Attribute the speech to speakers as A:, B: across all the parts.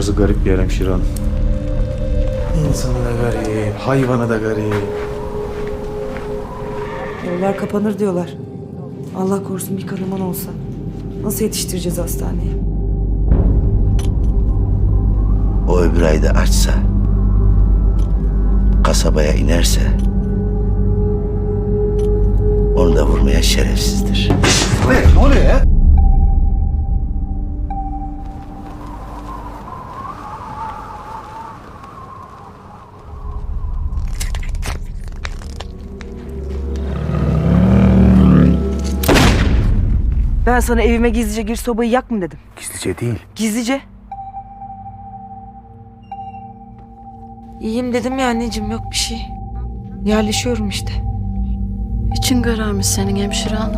A: Burası garip bir yer hemşire hanım. İnsanı da garip, hayvanı da garip.
B: Yollar kapanır diyorlar. Allah korusun bir kanaman olsa. Nasıl yetiştireceğiz hastaneye?
C: O öbür ayda açsa, kasabaya inerse, onu da vurmaya şerefsizdir.
D: Ne oluyor ya?
B: Ben sana evime gizlice gir sobayı yak mı dedim.
D: Gizlice değil.
B: Gizlice. İyiyim dedim ya anneciğim, yok bir şey. Yerleşiyorum işte.
E: İçin kararmış senin hemşire hanım.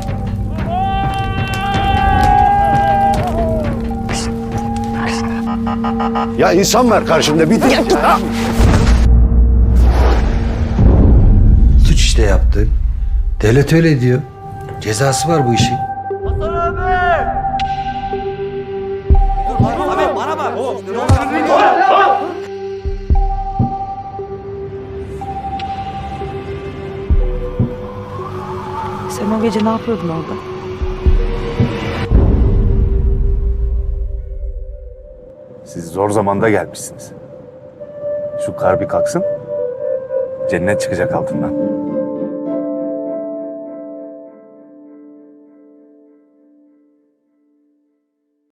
F: Ya insan var karşımda bir de...
G: Suç işte yaptı. Devlet öyle diyor. Cezası var bu işin.
B: Sen o gece ne yapıyordun orada?
D: Siz zor zamanda gelmişsiniz. Şu kar bir kalksın, cennet çıkacak altından.